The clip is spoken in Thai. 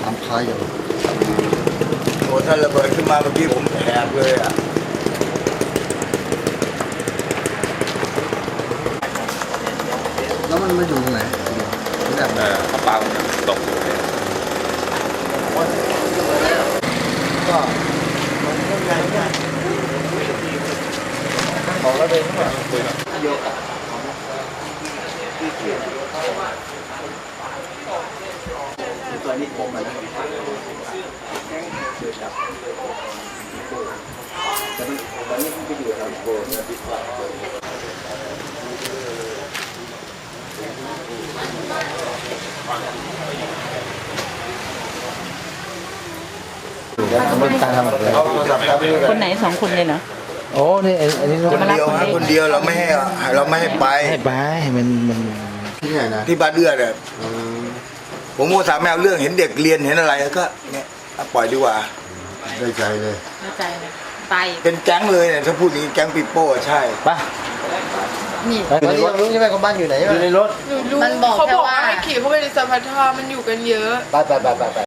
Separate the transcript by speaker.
Speaker 1: ามพายอยู่
Speaker 2: โอ้ถ้าระเบิดขึ้นมาเมื่อกี้ผมแหกเลยอ่ะ
Speaker 1: แล้วมันมาอยู่ตรงไหนแบบ
Speaker 3: กระเป๋าเนี่ยตกอยู่เลย
Speaker 2: ก็มันก็ไงเนี่ยของระเบิดขึ้นมาโยกอ่ะตัวนี้ผมมาแล้วแต่ตอนนี้ผมไปอยู่ลำโพงดีกว่า
Speaker 4: คนไหนสองคนเลยเหรอ
Speaker 1: โอ้นี่อันนี้
Speaker 2: คนเดียวฮะคนเดียวเราไม่ให้ไป
Speaker 1: ให้ไปมันที่ไหนนะ
Speaker 2: ที่บ้านเอื้อเนี่ยผมก็ถามแมวเรื่องเห็นเด็กเรียนเห็นอะไรก็เนี่ยปล่อยดีกว่า
Speaker 1: ได้ใจเลย
Speaker 4: เข้าใจเลยไป
Speaker 2: เป็นแก๊งเลยเนี่ยถ้าพูดอย่างนี้แก๊งปีโป้ใช่
Speaker 1: ไป
Speaker 4: นี่
Speaker 1: ตอนนี้ยังรู้ใช่ไหมคนบ้านอยู่ไหนอยู่ในรถ
Speaker 5: หนูรู้
Speaker 4: มันบอก
Speaker 5: เขา
Speaker 4: แค่
Speaker 5: บอก
Speaker 4: ว่า
Speaker 5: ว่าให้ขี่เข้าไปในสะพานท่ามันอยู่กันเยอะ
Speaker 1: ไป